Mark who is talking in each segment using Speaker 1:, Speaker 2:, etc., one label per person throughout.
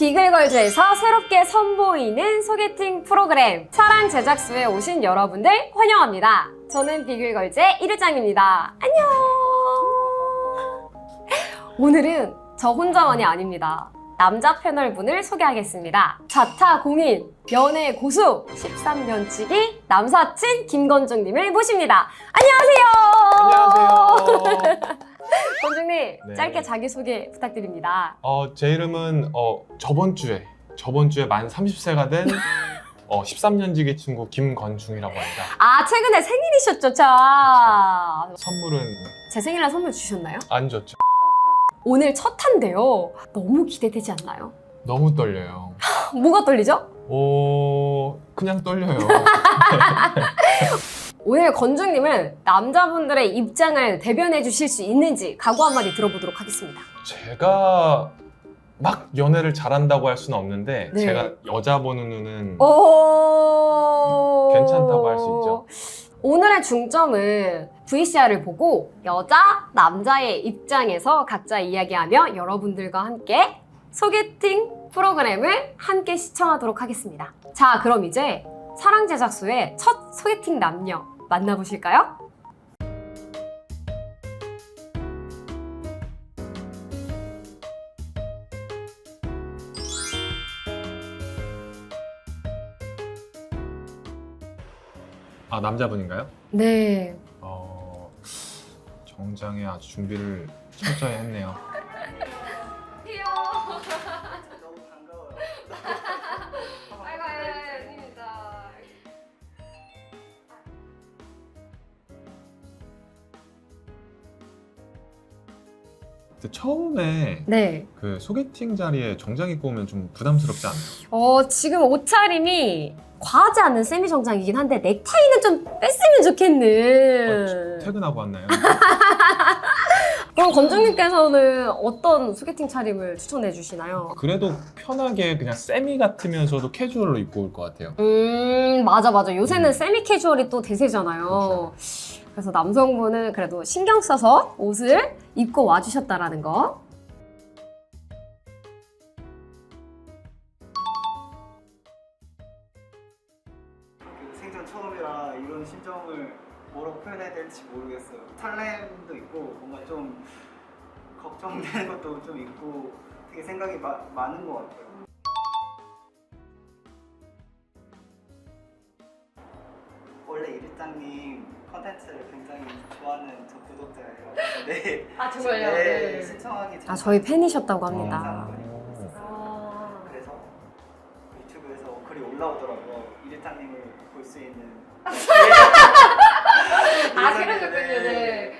Speaker 1: 비글걸즈에서 새롭게 선보이는 소개팅 프로그램 사랑 제작소에 오신 여러분들 환영합니다. 저는 비글걸즈의 이르장입니다. 안녕! 오늘은 저 혼자만이 아닙니다. 남자 패널분을 소개하겠습니다. 자타공인, 연애 고수, 13년치기 남사친 김건중님을 모십니다. 안녕하세요!
Speaker 2: 안녕하세요.
Speaker 1: 건중님,
Speaker 2: 네.
Speaker 1: 짧게 자기소개 부탁드립니다.
Speaker 2: 제 이름은 저번 주에 만 30세가 된 13년지기 친구 김건중이라고 합니다.
Speaker 1: 아, 최근에 생일이셨죠? 자,
Speaker 2: 선물은
Speaker 1: 제 생일날 선물 주셨나요?
Speaker 2: 안 줬죠.
Speaker 1: 오늘 첫 탄데요. 너무 기대되지 않나요?
Speaker 2: 너무 떨려요.
Speaker 1: 뭐가 떨리죠?
Speaker 2: 그냥 떨려요.
Speaker 1: 오늘 건중님은 남자분들의 입장을 대변해 주실 수 있는지 각오 한마디 들어보도록 하겠습니다.
Speaker 2: 제가 막 연애를 잘한다고 할 수는 없는데
Speaker 1: 네.
Speaker 2: 제가 여자 보는 눈은
Speaker 1: 오...
Speaker 2: 괜찮다고 할 수 있죠.
Speaker 1: 오늘의 중점은 VCR을 보고 여자, 남자의 입장에서 각자 이야기하며 여러분들과 함께 소개팅 프로그램을 함께 시청하도록 하겠습니다. 자, 그럼 이제 사랑 제작소의 첫 소개팅 남녀 만나보실까요?
Speaker 2: 아, 남자분인가요?
Speaker 1: 네.
Speaker 2: 정장에 아주 준비를 철저히 했네요.
Speaker 1: 귀여워.
Speaker 3: 너무 반가워요.
Speaker 1: 아이고, 아닙니다.
Speaker 2: 근데 처음에
Speaker 1: 네.
Speaker 2: 그 소개팅 자리에 정장 입고 오면 좀 부담스럽지 않나요?
Speaker 1: 지금 옷차림이 과하지 않은 세미 정장이긴 한데 넥타이는 좀 뺐으면 좋겠는.
Speaker 2: 퇴근하고 왔나요?
Speaker 1: 그럼 건중님께서는 어떤 소개팅 차림을 추천해 주시나요?
Speaker 2: 그래도 편하게 그냥 세미 같으면서도 캐주얼로 입고 올 것 같아요.
Speaker 1: 맞아. 요새는 세미 캐주얼이 또 대세잖아요. 그래서 남성분은 그래도 신경 써서 옷을 입고 와주셨다라는 거.
Speaker 3: 생전 처음이라 이런 심정을 뭐라고 표현해야 될지 모르겠어요. 설렘도 있고 뭔가 좀 걱정되는 것도 좀 있고 되게 생각이 많은 것 같아요. 원래 이르장님 컨텐츠를 굉장히 좋아하는 저 구독자예요. 네.
Speaker 1: 아,
Speaker 3: 네. 신청하기 전에
Speaker 1: 저희 팬이셨다고 합니다.
Speaker 3: 영상을 보고 있었어요. 그래서 유튜브에서 글이 올라오더라고요. 이르장님을 볼 수 있는.
Speaker 1: 그러셨군요. 네.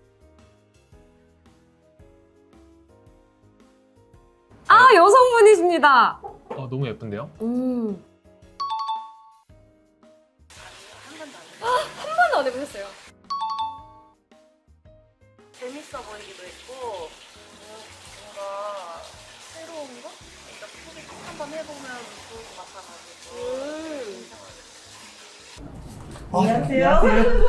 Speaker 1: 여성분이십니다.
Speaker 2: 너무 예쁜데요?
Speaker 1: 한 번도 안 해보셨어요?
Speaker 4: 재밌어 보이기도 했고 뭔가 새로운 거? 그러니까 소개팅 한번 해보면 좋을 것 같아가지고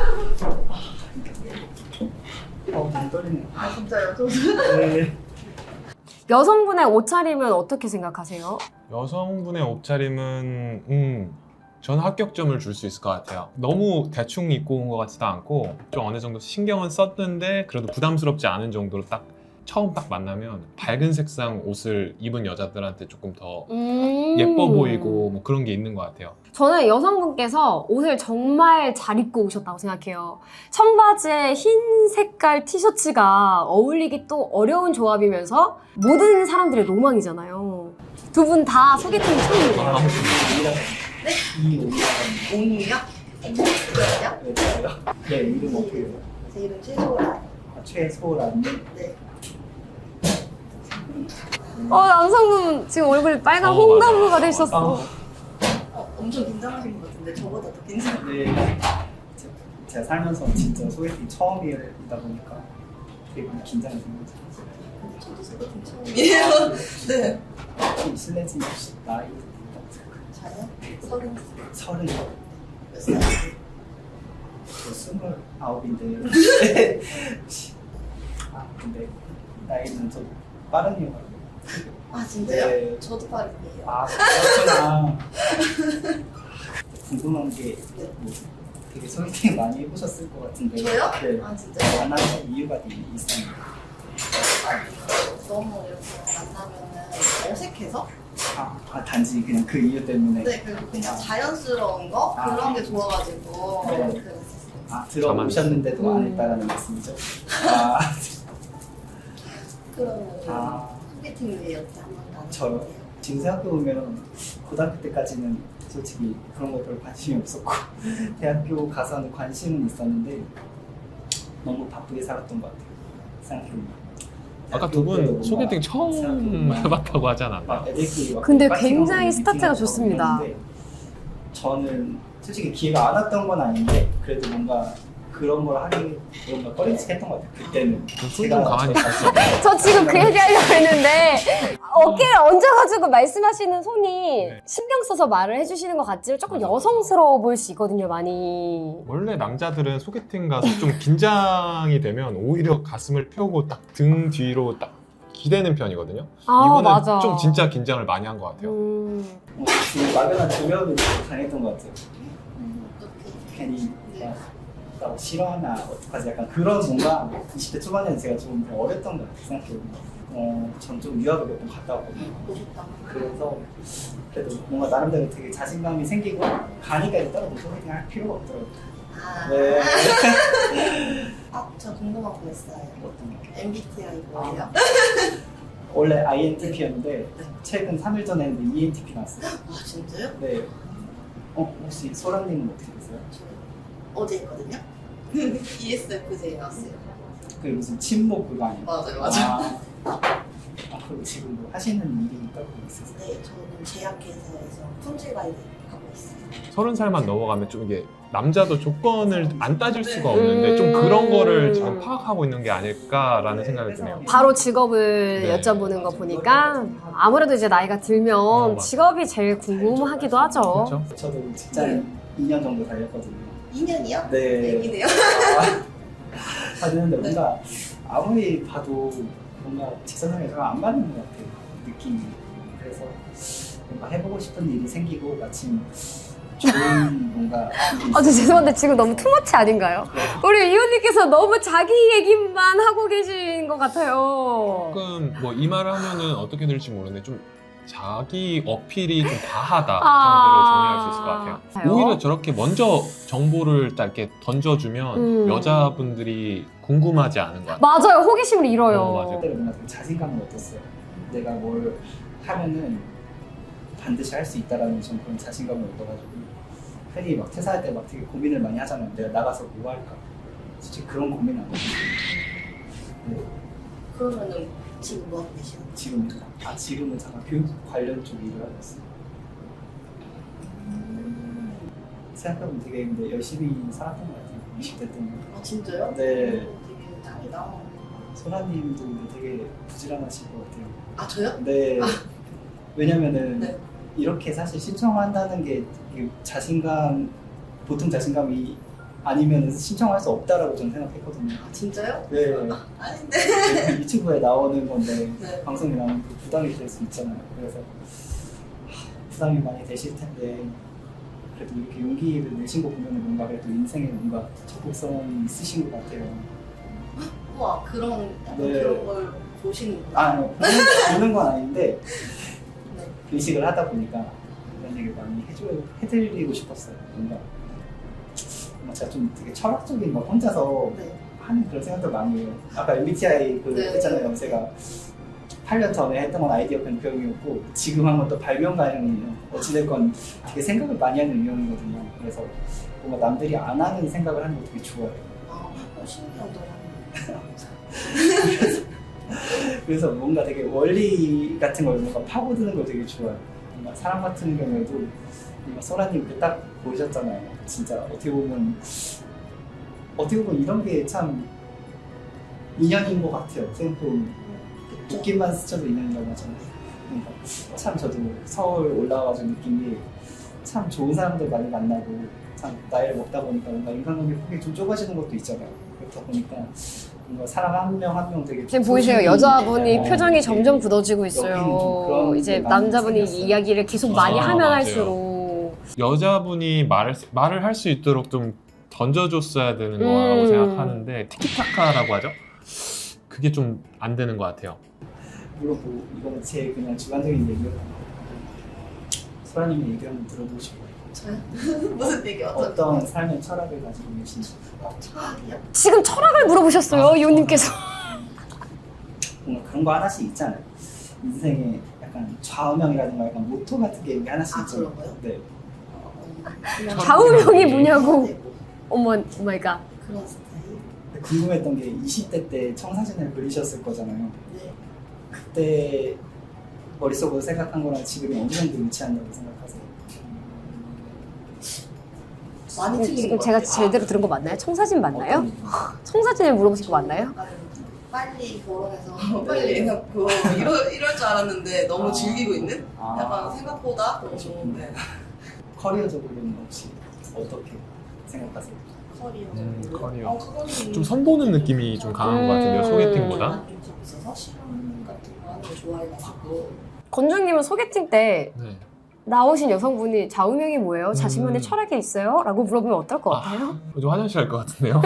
Speaker 3: 안녕하세요. 많이 떨리네요.
Speaker 4: 아 진짜요? 저도
Speaker 3: 네.
Speaker 1: 여성분의 옷차림은 어떻게 생각하세요?
Speaker 2: 여성분의 옷차림은 저는 합격점을 줄 수 있을 것 같아요. 너무 대충 입고 온 것 같지도 않고 좀 어느 정도 신경은 썼는데 그래도 부담스럽지 않은 정도로 처음 만나면 밝은 색상 옷을 입은 여자들한테 조금 더 예뻐 보이고 뭐 그런 게 있는 것 같아요.
Speaker 1: 저는 여성분께서 옷을 정말 잘 입고 오셨다고 생각해요. 청바지에 흰 색깔 티셔츠가 어울리기 또 어려운 조합이면서 모든 사람들의 로망이잖아요. 두 분 다 소개팅 처음이에요.
Speaker 4: 옹이요? 옹이요?
Speaker 3: 네, 이름 어떻게 해요?
Speaker 4: 제 이름 최소라.
Speaker 3: 최소라님.
Speaker 4: 네.
Speaker 1: 남성분 지금 얼굴이 빨간
Speaker 2: 맞아.
Speaker 1: 홍나무가 되셨어.
Speaker 4: 엄청 긴장하신 것 같은데 저보다 더 긴장.
Speaker 3: 네. 제가 살면서 진짜 소개팅 처음이다 보니까 되게 많이 긴장이 되는 것 같아요.
Speaker 4: 저도 소개팅 처음이에요. 네.
Speaker 3: 좀 실례지만 혹시 나이
Speaker 4: 저요?
Speaker 3: 30.
Speaker 4: 몇 살?
Speaker 3: 저 29인데. 근데 나이는 좀 빠른 이유가
Speaker 4: 아 진짜요?
Speaker 3: 네.
Speaker 4: 저도 파리예요.
Speaker 3: 아, 그렇구나. 궁금한 게 뭐, 되게 소개팅 많이 해보셨을 것 같은데.
Speaker 4: 저요?
Speaker 3: 네.
Speaker 4: 아 진짜요?
Speaker 3: 만나는 이유가 되게 있어요.
Speaker 4: 너무 이렇게 만나면은 어색해서?
Speaker 3: 단지 그냥 그 이유 때문에.
Speaker 4: 네, 그리고 그냥 자연스러운 거
Speaker 3: 아.
Speaker 4: 그런 게 좋아가지고
Speaker 3: 네.
Speaker 4: 그랬었어요.
Speaker 3: 들어오셨는데도 안 했다라는 말씀이죠? 아,
Speaker 4: 그러면
Speaker 3: 아.
Speaker 4: 소개팅 왜 여태 한 번도 안
Speaker 3: 저요?
Speaker 4: 해봤어요?
Speaker 3: 지금 생각해보면 고등학교 때까지는 솔직히 그런 거 별 관심이 없었고 대학교 가서는 관심은 있었는데 너무 바쁘게 살았던 것 같아요. 생각해보면.
Speaker 2: 아까 두 분 소개팅 처음 해봤다고 하지 않았나?
Speaker 3: 막 애들끼리 막
Speaker 1: 근데
Speaker 3: 파티하고
Speaker 1: 굉장히
Speaker 3: 미팅하고
Speaker 1: 스타트가 좋습니다.
Speaker 3: 이러는데 저는 솔직히 기회가 안 왔던 건 아닌데 그래도 뭔가 그런 걸 하기 뭔가 꺼림칙했던 것 같아요. 그때는
Speaker 2: 손 좀 가만히 있었어.
Speaker 1: 저 지금 그 얘기 하려고 했는데 어깨를 얹어가지고 말씀하시는 손이
Speaker 2: 네.
Speaker 1: 신경 써서 말을 해주시는 것 같지만 조금 여성스러워 보일 수 있거든요, 많이.
Speaker 2: 원래 남자들은 소개팅 가서 좀 긴장이 되면 오히려 가슴을 펴고 딱 등 뒤로 딱 기대는 편이거든요.
Speaker 1: 아,
Speaker 2: 이번엔
Speaker 1: 맞아.
Speaker 2: 좀 진짜 긴장을 많이 한 것 같아요.
Speaker 3: 지금 막연한 두려움이 당했던 것 같아요.
Speaker 4: 어떻게?
Speaker 3: 괜히
Speaker 4: 네.
Speaker 3: 나 싫어하나 어떡하지 약간 그런 뭔가 20대 초반에는 제가 좀 어렸던 것 같아요. 생각해보면 전 좀 유학을 몇 번 갔다 왔거든요.
Speaker 4: 멋있다.
Speaker 3: 그래서 그래도 뭔가 나름대로 되게 자신감이 생기고 가니까 이제 따로 소개팅 할 필요가 없더라고요.
Speaker 4: 아,
Speaker 3: 네.
Speaker 4: 저 궁금한 거 있어요.
Speaker 3: 어떤 거?
Speaker 4: MBTI 뭐예요?
Speaker 3: 원래 INTP였는데
Speaker 4: 네.
Speaker 3: 최근 3일 전에 했는데 ENTP 나왔어요.
Speaker 4: 아 진짜요?
Speaker 3: 네. 혹시 소라님은 어떻게 되세요?
Speaker 4: 저 어제 했거든요. ESFJ 나왔어요.
Speaker 3: 그 무슨 침묵 그거 아니에요?
Speaker 4: 맞아요.
Speaker 3: 그럼 지금 뭐 하시는 일이 따로 있으세요?
Speaker 4: 네, 저는 제약회사에서 품질 관리 하고 있어요.
Speaker 2: 30살만 넘어가면 좀 이게 남자도 조건을 안 따질
Speaker 4: 네.
Speaker 2: 수가 없는데 좀 그런 거를 지금 파악하고 있는 게 아닐까라는 생각이 드네요.
Speaker 1: 바로 직업을
Speaker 2: 네.
Speaker 1: 여쭤보는 거 보니까 아무래도 이제 나이가 들면
Speaker 2: 맞아요.
Speaker 1: 직업이 제일 궁금하기도 하죠.
Speaker 2: 그렇죠?
Speaker 3: 저도 직장 2년 정도 다녔거든요.
Speaker 4: 2년이요?
Speaker 3: 네.
Speaker 4: 얘기네요.
Speaker 3: 다녔는데
Speaker 4: 네.
Speaker 3: 뭔가 아무리 봐도 뭔가 직장생활이 안 맞는 것 같아요. 느낌이. 그래서 뭔가 해보고 싶은 일이 생기고 마침 좋은 뭔가 일이
Speaker 1: 저 죄송한데 지금 너무 투머치 아닌가요? 우리 이호님께서 너무 자기 얘기만 하고 계신 것 같아요.
Speaker 2: 조금 뭐 이 말을 하면은 어떻게 될지 모르는데 좀 자기 어필이 좀 과하다
Speaker 1: 아.
Speaker 2: 정도로 정리할 수 있을 것 같아요.
Speaker 1: 그래요?
Speaker 2: 오히려 저렇게 먼저 정보를 딱 이렇게 던져주면 여자분들이 궁금하지 않은 것 같아요.
Speaker 1: 맞아요. 호기심을 잃어요.
Speaker 2: 맞아요.
Speaker 3: 그때 뭔가 되게 자신감을 얻었어요. 내가 뭘 하면은 반드시 할 수 있다라는 좀 그런 자신감을 얻어가지고 흔히 막 퇴사할 때 막 되게 고민을 많이 하잖아요. 내가 나가서 뭐 할까? 솔직히 그런 고민 안 하고 네,
Speaker 4: 그러면은 지금 뭐 하고 계시나요?
Speaker 3: 지금은 잠깐 교육 관련 쪽 일을 하고 있어요. 생각해보면 되게 근데 열심히 살았던 것 같아요. 20대 때는.
Speaker 4: 아 진짜요?
Speaker 3: 네.
Speaker 4: 되게 짱이다.
Speaker 3: 소라님도 근데 되게 부지런하실 것 같아요.
Speaker 4: 아 저요?
Speaker 3: 네. 왜냐면은
Speaker 4: 네.
Speaker 3: 이렇게 사실 신청한다는 게 이게 보통 자신감이 아니면 신청할 수 없다라고 저는 생각했거든요.
Speaker 4: 아 진짜요?
Speaker 3: 네.
Speaker 4: 아닌데.
Speaker 3: 유튜브에 나오는 건데
Speaker 4: 네.
Speaker 3: 방송에 나오면 그 부담이 될 수 있잖아요. 그래서 부담이 많이 되실 텐데 그래도 이렇게 용기를 내신 거 보면 뭔가 그래도 인생에 뭔가 적극성이 있으신 것 같아요.
Speaker 4: 우와 그런 약간
Speaker 3: 네.
Speaker 4: 그런 걸 보시는구나.
Speaker 3: 보는 건 아닌데
Speaker 4: 네.
Speaker 3: 의식을 하다 보니까 그런 얘기를 많이 해드리고 싶었어요. 뭔가 제가 좀 되게 철학적인 막 혼자서
Speaker 4: 네.
Speaker 3: 하는 그런 생각도 많이 해요. 아까 MBTI 그
Speaker 4: 네.
Speaker 3: 했잖아요. 제가 8년 전에 했던 건 아이디어 변경이었고 지금 한 건 또 발명가형이에요. 어찌됐건 되게 생각을 많이 하는 유형이거든요. 그래서 뭔가 남들이 안 하는 생각을 하는 거 되게 좋아해요.
Speaker 4: 신기하다.
Speaker 3: 그래서 뭔가 되게 원리 같은 걸 뭔가 파고드는 걸 되게 좋아해요. 뭔가 사람 같은 경우에도 뭔가 소라님 그 딱 보이셨잖아요. 진짜 어떻게 보면 이런 게 참 인연인 것 같아요. 생각해보면 웃긴만 스쳐도 인연이라고 하잖아요. 그러니까 참 저도 서울 올라와가지고 느낀 게 참 좋은 사람들 많이 만나고 참 나이를 먹다 보니까 뭔가 인간관계 폭이 좀 좁아지는 것도 있잖아요. 그렇다 보니까 뭔가 사람 한 명 한 명 되게
Speaker 1: 지금 보이세요?
Speaker 3: 소중히,
Speaker 1: 여자분이
Speaker 3: 어,
Speaker 1: 표정이 점점
Speaker 3: 이렇게
Speaker 1: 굳어지고
Speaker 3: 여기는 좀
Speaker 1: 있어요.
Speaker 3: 그런
Speaker 1: 이제
Speaker 3: 게 많이
Speaker 1: 남자분이
Speaker 3: 생겼어요.
Speaker 1: 이야기를 계속 많이 하면
Speaker 2: 맞아요.
Speaker 1: 할수록
Speaker 2: 여자분이 말을 할 수 있도록 좀 던져줬어야 되는 거라고 생각하는데 티키타카라고 하죠? 그게 좀 안 되는 것 같아요.
Speaker 3: 물론 뭐 이거는 제 그냥 주관적인 얘기예요. 소라님의 얘기 한번 들어보고 싶어요.
Speaker 4: 저요? 무슨 얘기
Speaker 3: 어떤 삶의 철학을 가지고 계신지.
Speaker 4: 철학이요?
Speaker 1: 지금 철학을 물어보셨어요, 이호님께서.
Speaker 3: 뭔가 그런 거 하나씩 있잖아요. 인생에 약간 좌우명이라든가 약간 모토 같은 게 하나씩
Speaker 4: 아,
Speaker 3: 있죠.
Speaker 4: 그런 거요?
Speaker 3: 네.
Speaker 4: 그냥
Speaker 1: 좌우명이
Speaker 2: 네.
Speaker 1: 뭐냐고. 어머, 오마이갓.
Speaker 4: 그런 스타일.
Speaker 3: 근데 궁금했던 게 20대 때 청사진을 그리셨을 거잖아요.
Speaker 4: 네.
Speaker 3: 그때 머릿속으로 생각한 거랑 지금이 어느 정도 일치한다고 생각하세요?
Speaker 4: 많이 틀린
Speaker 1: 지금
Speaker 4: 것
Speaker 1: 제가
Speaker 4: 같아요.
Speaker 1: 제대로 들은 거 맞나요? 청사진 맞나요?
Speaker 3: 어떤-
Speaker 1: 청사진을 물어보신 거 맞나요?
Speaker 4: 약간 빨리 결혼해서 빨리 애 낳고 이럴 줄 알았는데 너무
Speaker 3: 아.
Speaker 4: 즐기고 있는?
Speaker 3: 아.
Speaker 4: 약간 생각보다 너무
Speaker 3: 그러셨군요.
Speaker 4: 네.
Speaker 3: 커리어적으로는 혹시 어떻게 생각하세요?
Speaker 4: 커리어.
Speaker 2: 커리어.
Speaker 4: 그거는
Speaker 2: 좀 선보는 느낌이 좀 강한 것 같은데요, 소개팅보다.
Speaker 4: 좀 있어서 실험 같은 거 하는 거 좋아해가지고
Speaker 1: 건주님은 소개팅 때
Speaker 2: 네.
Speaker 1: 나오신 여성분이 좌우명이 뭐예요? 자신만의 철학이 있어요? 라고 물어보면 어떨 것 같아요?
Speaker 2: 좀 화장실 갈 것 같은데요?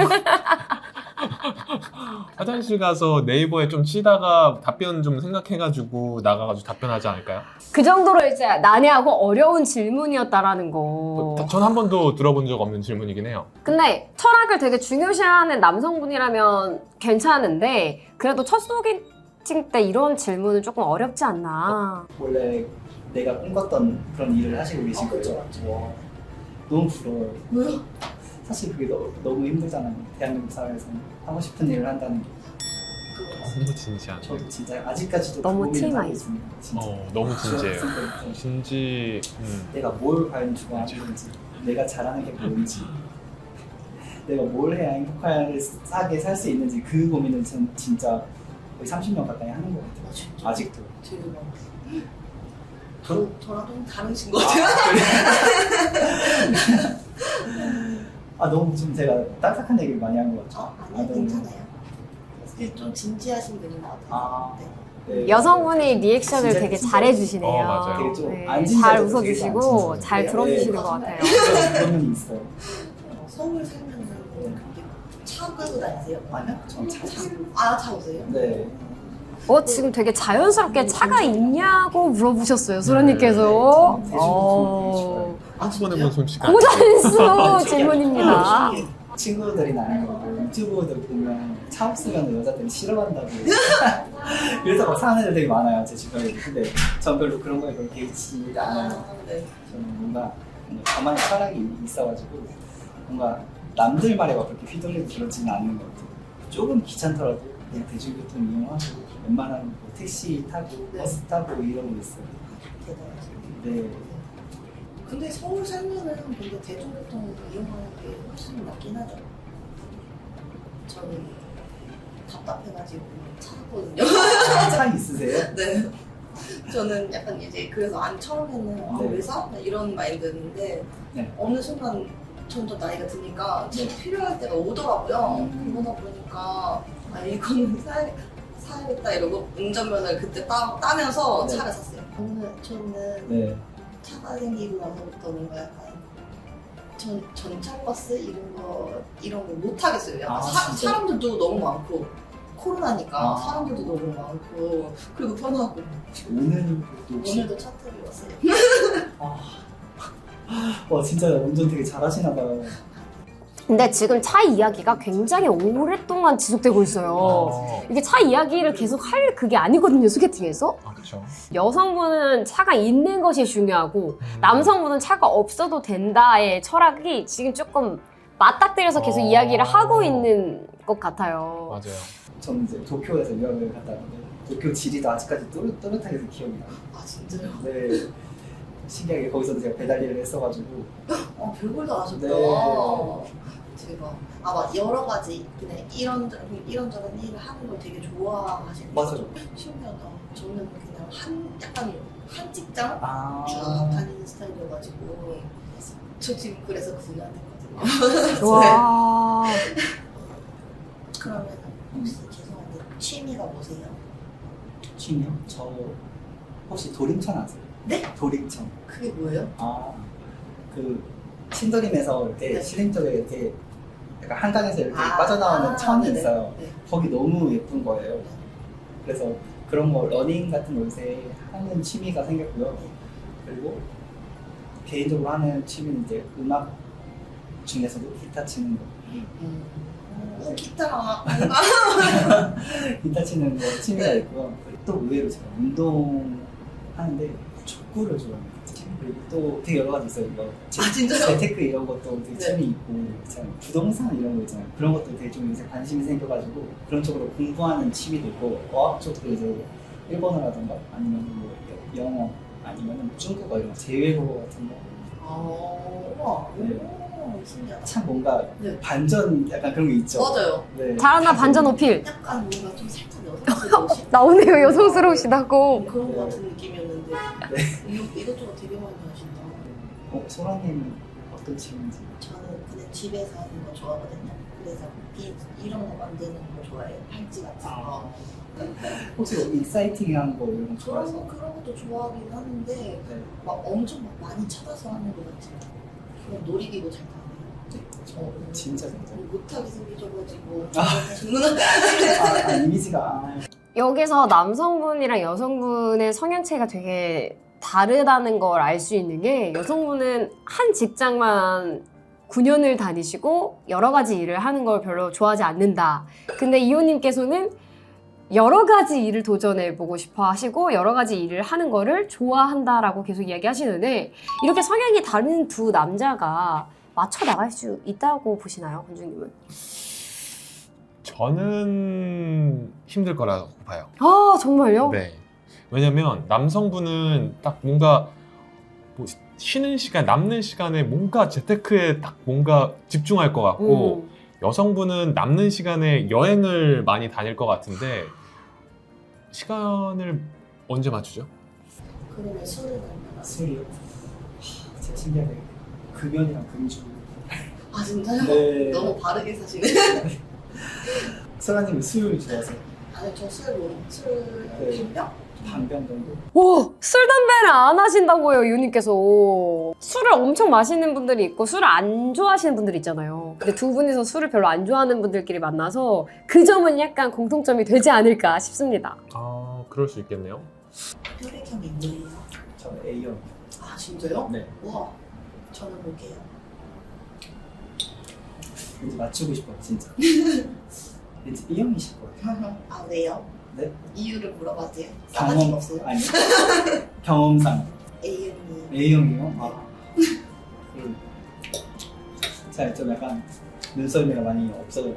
Speaker 2: 화장실 가서 네이버에 좀 치다가 답변 좀 생각해가지고 나가가지고 답변하지 않을까요?
Speaker 1: 그 정도로 이제 난해하고 어려운 질문이었다라는 거.
Speaker 2: 전 한 번도 들어본 적 없는 질문이긴 해요.
Speaker 1: 근데 철학을 되게 중요시하는 남성분이라면 괜찮은데 그래도 첫 소개팅 때 이런 질문은 조금 어렵지 않나.
Speaker 3: 원래 내가 꿈꿨던 그런 일을 하시고 계신
Speaker 4: 아,
Speaker 3: 거죠?
Speaker 4: 그렇죠.
Speaker 3: 와, 너무 부러워요.
Speaker 4: 왜요?
Speaker 3: 사실 그게 너무 힘들잖아요. 대한민국 사회에서 하고 싶은 일을 한다는 게.
Speaker 2: 너무 진지하네.
Speaker 3: 저도 진짜 아직까지도
Speaker 1: 너무
Speaker 3: 그 고민을
Speaker 1: TMI.
Speaker 3: 하고 있습니다. 진짜.
Speaker 2: 너무 진지해요.
Speaker 3: 중학생 때부터
Speaker 2: 진지.
Speaker 3: 내가 뭘 과연 좋아하는지, 내가 잘하는 게 뭔지, 내가 뭘 해야 행복하게 살 수 있는지 그 고민을 전 진짜 거의 30년 가까이 하는 것 같아요.
Speaker 4: 진짜?
Speaker 3: 아직도.
Speaker 4: 되게 많아.
Speaker 3: 저-
Speaker 4: 저랑 좀 다르신 것 같아요.
Speaker 3: 너무 좀 제가 딱딱한 얘기를 많이 한 것 같아요.
Speaker 4: 아니
Speaker 3: 너무-
Speaker 4: 괜찮아요. 그게 좀 진지하신 분인 것 같아요.
Speaker 3: 아.
Speaker 4: 네.
Speaker 3: 네.
Speaker 1: 여성분이 리액션을
Speaker 3: 진짜
Speaker 1: 되게
Speaker 3: 진짜
Speaker 1: 잘해주시네요.
Speaker 2: 맞아요.
Speaker 3: 되게 좀
Speaker 1: 네,
Speaker 3: 안
Speaker 1: 잘
Speaker 3: 진지하게
Speaker 1: 웃어주시고
Speaker 3: 되게 안
Speaker 1: 잘
Speaker 3: 진지하게.
Speaker 1: 들어주시는
Speaker 3: 네.
Speaker 1: 것 같아요.
Speaker 3: 그런 면이 있어요.
Speaker 4: 서울 살면은 차 끌고 다니세요?
Speaker 3: 아니요, 전 차.
Speaker 4: 차 오세요?
Speaker 3: 네.
Speaker 1: 지금 되게 자연스럽게 차가 있냐고 물어보셨어요, 소라님께서.
Speaker 3: 네, 대중교통 되게
Speaker 2: 한 번 해본 솜씨가.
Speaker 1: 고단수 질문입니다.
Speaker 3: 친구들이 나는 거 유튜브들 보면 차 없으면 여자들이 싫어한다고 그래서 막 사는 애들 되게 많아요, 제 주변에. 근데 전 별로 그런 거에 별로 개의치 않아요.
Speaker 4: 네.
Speaker 3: 저는 뭔가 저만의 철학이 있어가지고 뭔가 남들 말에 막 그렇게 휘둘리고 그러지는 않는 것 같아요. 조금 귀찮더라도 그냥 대중교통 이용하고 웬만하면 뭐 택시 타고
Speaker 4: 네.
Speaker 3: 버스 타고 이러고 있어요.
Speaker 4: 대단하시네요.
Speaker 3: 네.
Speaker 4: 근데 서울 살면은 근데 대중교통 이용하는 게 훨씬 낫긴 하죠. 저는 답답해가지고 찾았거든요.
Speaker 3: 차 있으세요?
Speaker 4: 네. 저는 약간 이제 그래서 처음에는
Speaker 3: 네.
Speaker 4: 왜 사? 이런 마인드였는데
Speaker 3: 네.
Speaker 4: 어느 순간 점점 나이가 드니까
Speaker 3: 네.
Speaker 4: 필요할 때가 오더라고요. 그러다 보니까 이거는 사야겠다 이러고 운전면허를 그때 따면서
Speaker 3: 네.
Speaker 4: 차를 샀어요. 저는
Speaker 3: 네.
Speaker 4: 차가 생기고 나서부터 뭔가 약간 전철버스 이런 거 못 하겠어요. 약간
Speaker 3: 진짜요?
Speaker 4: 사람들도 너무 많고 코로나니까
Speaker 3: 아.
Speaker 4: 사람들도 너무 많고 그리고 편하고
Speaker 3: 오늘도 혹시
Speaker 4: 오늘도 차 타고 왔어요.
Speaker 3: 와 진짜 운전 되게 잘하시나 봐요.
Speaker 1: 근데 지금 차 이야기가 굉장히 오랫동안 지속되고 있어요. 이게 차 이야기를 계속 할 그게 아니거든요, 소개팅에서.
Speaker 2: 그렇죠.
Speaker 1: 여성분은 차가 있는 것이 중요하고 남성분은 차가 없어도 된다의 철학이 지금 조금 맞닥뜨려서 계속 이야기를 하고 있는 것 같아요.
Speaker 2: 맞아요.
Speaker 3: 저는 이제 도쿄에서 유학을 갔다 왔는데 도쿄 지리도 아직까지 또렷하게 기억이 나요.
Speaker 4: 아 진짜요?
Speaker 3: 네. 신기하게 거기서도 제가 배달 일을 했어가지고
Speaker 4: 별걸 다 하셨다.
Speaker 3: 네.
Speaker 4: 제가 맞 여러 가지 그냥 이런저런 일을 하는 걸 되게 좋아하시는
Speaker 3: 맞아요.
Speaker 4: 신기하다. 저는 그냥 약간 한 직장
Speaker 3: 아
Speaker 4: 쭉 다니는 스타일이어가지고 저 지금 그래서 그분한테 했거든요.
Speaker 1: 와.
Speaker 4: 그러면 혹시 죄송한데 취미가 뭐세요?
Speaker 5: 취미요? 저 혹시 도림천 아세요?
Speaker 4: 네?
Speaker 5: 도림천.
Speaker 4: 그게 뭐예요?
Speaker 5: 그 신도림에서 이렇게
Speaker 4: 네.
Speaker 5: 시림 쪽에 이렇게 약간 한강에서 이렇게
Speaker 4: 아,
Speaker 5: 빠져나오는 천이
Speaker 4: 네네.
Speaker 5: 있어요.
Speaker 4: 네.
Speaker 5: 거기 너무 예쁜 거예요. 그래서 그런 거 러닝 같은 거 요새 하는 취미가 생겼고요. 그리고 개인적으로 하는 취미는 이제 음악 중에서도 기타 치는 거.
Speaker 4: 기타랑
Speaker 5: 기타 치는 거 취미가 있고요. 그리고 또 의외로 제가 운동하는데 족구를 좋아합니다. 그리고 또 되게 여러 가지 있어요. 이거
Speaker 4: 진짜요?
Speaker 5: 재테크 이런 것도 되게
Speaker 4: 네.
Speaker 5: 취미 있고, 참 부동산 이런 거 있잖아요. 그런 것도 되게 좀 요새 관심이 생겨가지고 그런 쪽으로 공부하는 취미도 있고, 어학 쪽도 이제 일본어라던가 아니면 뭐 영어 아니면 중국어 이런 제외국어 같은 거.
Speaker 4: 우와.
Speaker 5: 네.
Speaker 4: 오, 신기하다.
Speaker 5: 참 뭔가
Speaker 4: 네.
Speaker 5: 반전 약간 그런 게 있죠.
Speaker 4: 맞아요.
Speaker 5: 네.
Speaker 1: 잘한다 반전 어필.
Speaker 4: 약간 뭔가 좀 살짝 여성스러우신
Speaker 1: 나오네요 여성스러우시다고.
Speaker 4: 그런 거 같은 느낌이었는데 이것저것 되게 많이 하신다.
Speaker 5: 소라님은 어떤 취미인지?
Speaker 4: 저는 그냥 집에서 하는 거 좋아하거든요. 그래서 이런 거 만드는 거 좋아해요. 팔찌 같은 거.
Speaker 5: 혹시 뭐 익사이팅한 거 이런 거
Speaker 4: 그런
Speaker 5: 좋아하세요?
Speaker 4: 거 그런 것도 좋아하긴 하는데
Speaker 5: 네.
Speaker 4: 막 엄청 막 많이 찾아서 하는 거 같지 않아요. 그냥 놀이기구 잘 타네요.
Speaker 5: 진짜 진짜.
Speaker 4: 못하게 생기셔가지고
Speaker 5: 아.
Speaker 4: 주문한
Speaker 5: 이미지가
Speaker 1: 여기서 남성분이랑 여성분의 성향 차이가 되게 다르다는 걸 알 수 있는 게 여성분은 한 직장만 9년을 다니시고 여러 가지 일을 하는 걸 별로 좋아하지 않는다. 근데 이호님께서는 여러 가지 일을 도전해보고 싶어 하시고 여러 가지 일을 하는 거를 좋아한다라고 계속 이야기하시는데 이렇게 성향이 다른 두 남자가 맞춰 나갈 수 있다고 보시나요, 권중님은?
Speaker 2: 저는 힘들 거라고 봐요.
Speaker 1: 아 정말요?
Speaker 2: 네. 왜냐면 남성분은 딱 뭔가 뭐 쉬는 시간, 남는 시간에 뭔가 재테크에 딱 뭔가 집중할 것 같고 여성분은 남는 시간에 여행을 많이 다닐 것 같은데 시간을 언제 맞추죠?
Speaker 4: 그러면 술은 얼마나?
Speaker 5: 술이요. 진짜 신기하게 금연이랑 금주.
Speaker 4: 아 진짜요?
Speaker 5: 네.
Speaker 4: 너무 바르게 사시네.
Speaker 5: 소라님은 술 좋아하세요?
Speaker 4: 아니 저술
Speaker 5: 네.
Speaker 4: 한병?
Speaker 5: 반병 정도?
Speaker 1: 오, 술, 담배를 안 하신다고요, 유님께서. 술을 엄청 마시는 분들이 있고 술을 안 좋아하시는 분들이 있잖아요. 근데 두 분이서 술을 별로 안 좋아하는 분들끼리 만나서 그 점은 약간 공통점이 되지 않을까 싶습니다.
Speaker 2: 아, 그럴 수 있겠네요.
Speaker 4: 혈액형이 뭐예요?
Speaker 5: 저는 A형.
Speaker 4: 아 진짜요?
Speaker 5: 네.
Speaker 4: 우와 저는 뭐게요?
Speaker 5: 왠지 맞추고 싶어요, 진짜. 왠지 B형이실 거예요.
Speaker 4: 아 왜요?
Speaker 5: 네?
Speaker 4: 이유를 물어봐도 돼요? 싸가지가 없어요?
Speaker 5: 아니. 경험상.
Speaker 4: A형이
Speaker 5: A형이요? 아. 제가 좀 약간 눈썰미가 많이 없어져요.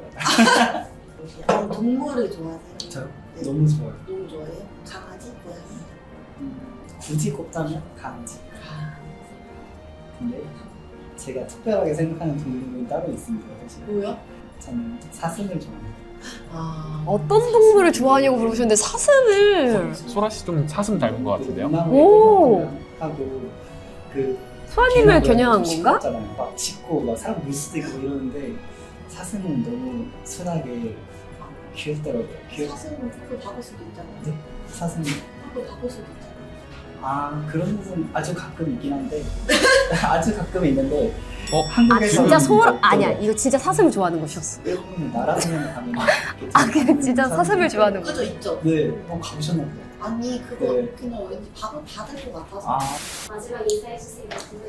Speaker 4: 동물을 좋아하세요?
Speaker 5: 저요?
Speaker 4: 네.
Speaker 5: 너무 좋아요.
Speaker 4: 너무 좋아해요? 강아지? 고양이?
Speaker 5: 굳이 꼽자면 강아지. 근데 제가 특별하게 생각하는 동물은 따로 있습니다. 사실.
Speaker 4: 뭐요?
Speaker 5: 저는 사슴을 좋아해요.
Speaker 4: 아
Speaker 1: 어떤 동물을 좋아하냐고 물어보셨는데 사슴을.
Speaker 2: 소라 씨 좀 사슴 닮은 것 같은데요?
Speaker 1: 오.
Speaker 5: 하고 그
Speaker 1: 소아님을 겨냥한 건가?
Speaker 5: 시끄럽잖아요. 막 짖고 막 사람 물 수도 있고 이러는데 사슴은 너무 순하게 귀엽더라고요.
Speaker 4: 사슴은 그거 박을 수도 있잖아요.
Speaker 5: 네? 사슴.
Speaker 4: 그거 박을 수도 있잖아요.
Speaker 5: 아 그런 부분 아주 가끔 있긴 한데 아주 가끔 있는데
Speaker 2: 어?
Speaker 1: 아
Speaker 5: 한국에서
Speaker 1: 진짜 아니야 이거 진짜 사슴을 좋아하는 곳이었어.
Speaker 5: 일본은 나라성에 가면
Speaker 1: 아 그냥 진짜 사슴을 좋아하는 곳.
Speaker 4: 그죠 있죠?
Speaker 5: 네, 가보셨나 보다.
Speaker 4: 아니 그거
Speaker 5: 네.
Speaker 4: 그냥 왠지 박을 받을 것 같아서
Speaker 5: 아
Speaker 1: 마지막 인사해주세요.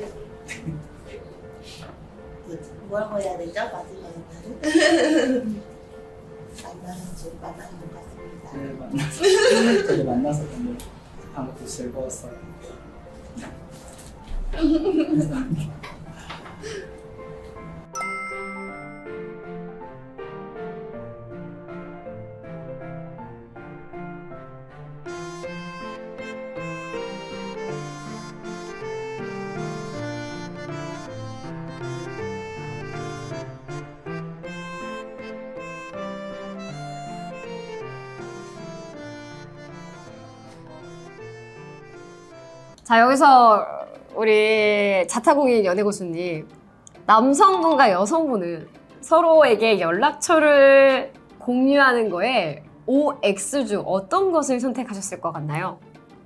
Speaker 4: 뭐라고 해야 되죠? 마지막에는 만나서 만나는 것 같습니다.
Speaker 5: 네, 만나서 저도 만나서 너무 방금도 즐거웠어요.
Speaker 1: 자 여기서 우리 자타공인 연애고수님 남성분과 여성분은 서로에게 연락처를 공유하는 거에 OX 중 어떤 것을 선택하셨을 것 같나요?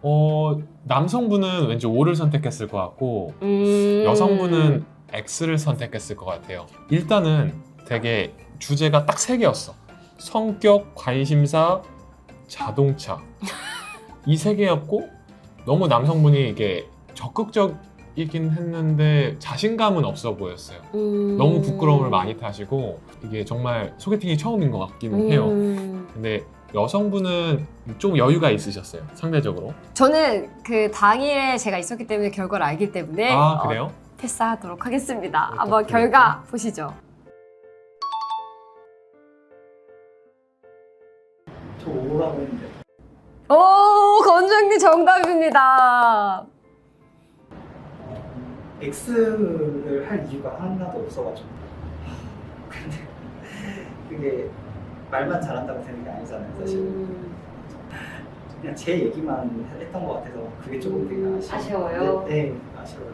Speaker 2: 남성분은 왠지 O를 선택했을 것 같고 여성분은 X를 선택했을 것 같아요. 일단은 되게 주제가 딱 3개였어. 성격, 관심사, 자동차. 이 3개였고 너무 남성분이 이게 적극적이긴 했는데 자신감은 없어 보였어요. 너무 부끄러움을 많이 타시고 이게 정말 소개팅이 처음인 것 같기는 해요. 근데 여성분은 좀 여유가 있으셨어요, 상대적으로.
Speaker 1: 저는 그 당일에 제가 있었기 때문에 결과를 알기 때문에
Speaker 2: 아, 그래요?
Speaker 1: 패스하도록 하겠습니다.
Speaker 2: 어떡해요?
Speaker 1: 한번 결과 보시죠.
Speaker 5: 저 5라고 했는데
Speaker 1: 오, 건정님 정답입니다.
Speaker 5: X를 할 이유가 하나도 없어가지고 근데 그게 말만 잘한다고 되는 게 아니잖아요 사실. 그냥 제 얘기만 했던 것 같아서 그게 조금 되게
Speaker 1: 아쉬워요?
Speaker 5: 네, 아쉬워요.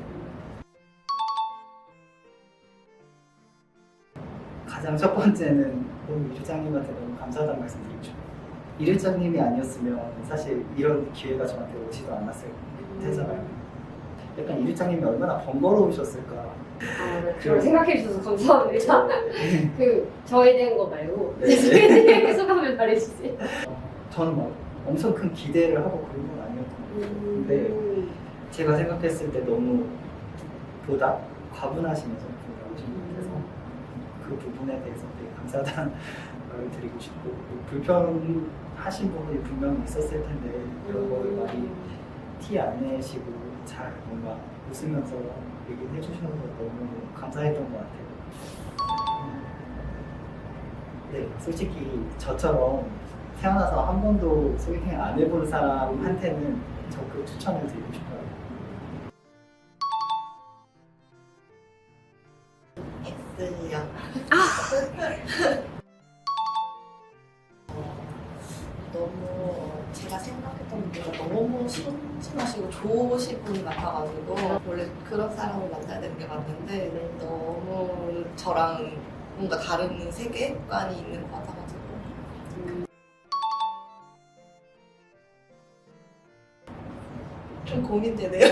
Speaker 5: 가장 첫 번째는 너무 이르장님한테 너무 감사하다는 말씀드리고 싶어요. 이르장님이 아니었으면 사실 이런 기회가 저한테 오지도 않았을 테잖아요. 약간 이르장님이 얼마나 번거로우셨을까.
Speaker 1: 그걸 생각해 주셔서 감사합니다. 그 저에 대한 거 말고
Speaker 5: 네.
Speaker 1: 소개팅 소감을 말해주세요.
Speaker 5: 저는 막 엄청 큰 기대를 하고 그런 건 아니었던 것 같아요. 근데 제가 생각했을 때 너무 보다 과분하시면서 나오신 것 같아서 그 부분에 대해서 되게 감사하다는 말을 드리고 싶고, 불편하신 부분이 분명히 있었을 텐데 그런 거를 많이 티 안 내시고 잘 뭔가 웃으면서 얘기를 해주셔서 너무 감사했던 것 같아요. 네, 솔직히 저처럼 태어나서 한 번도 소개팅 안 해본 사람한테는 적극 추천을 드리고 싶어요.
Speaker 4: X요. 너무 제가 생각했던 분보다 너무 순진하시고 좋으신 분이 같아가지고 원래 그런 사람을 만나야 되는 게 맞는데 너무 저랑 뭔가 다른 세계관이 있는 것 같아가지고 좀 고민되네요.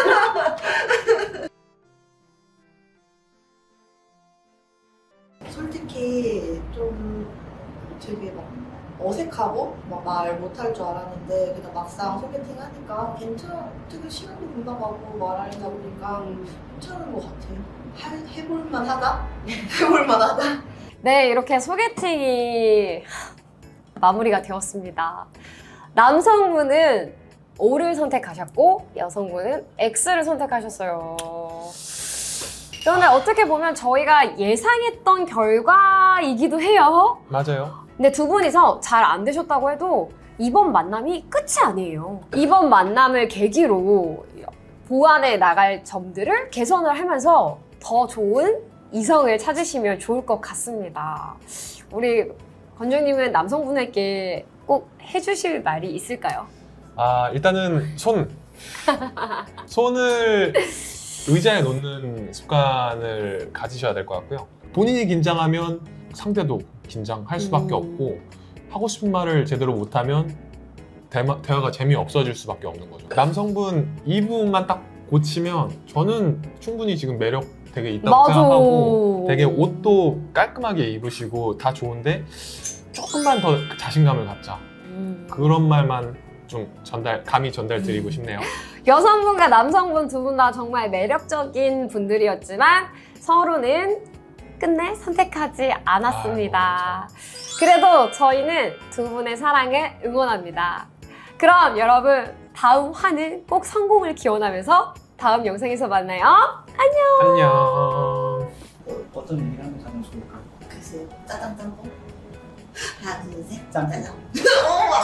Speaker 4: 솔직히 좀 되게 막 어색하고 막 말 못할 줄 알았는데 그냥 막상 소개팅 하니까 되게 시간도 금방 가고 말하다 보니까 괜찮은 것 같아요. 해볼만 하다? 해볼만 하다?
Speaker 1: 네, 이렇게 소개팅이 마무리가 되었습니다. 남성분은 O를 선택하셨고 여성분은 X를 선택하셨어요. 그런데 어떻게 보면 저희가 예상했던 결과이기도 해요.
Speaker 2: 맞아요.
Speaker 1: 근데 두 분이서 잘 안 되셨다고 해도 이번 만남이 끝이 아니에요. 이번 만남을 계기로 보완해 나갈 점들을 개선을 하면서 더 좋은 이성을 찾으시면 좋을 것 같습니다. 우리 건조님은 남성분에게 꼭 해주실 말이 있을까요?
Speaker 2: 일단은 손을 의자에 놓는 습관을 가지셔야 될 것 같고요. 본인이 긴장하면 상대도 긴장할 수밖에 없고, 하고 싶은 말을 제대로 못하면 대화가 재미없어질 수밖에 없는 거죠. 남성분 이 부분만 딱 고치면 저는 충분히 지금 매력 되게 있다고
Speaker 1: 맞아.
Speaker 2: 생각하고, 되게 옷도 깔끔하게 입으시고 다 좋은데 조금만 더 자신감을 갖자, 그런 말만 좀 감히 전달드리고 싶네요.
Speaker 1: 여성분과 남성분 두 분 다 정말 매력적인 분들이었지만 서로는 끝내 선택하지 않았습니다. 그래도 저희는 두 분의 사랑을 응원합니다. 그럼 여러분, 다음 화는 꼭 성공을 기원하면서 다음 영상에서 만나요.
Speaker 2: 안녕.
Speaker 5: 어떤 얘기를 하면 가장 좋을까요?
Speaker 4: 글쎄요. 짜장 짬뽕. 하나 둘 셋.
Speaker 5: 짬뽕.
Speaker 4: 짜장.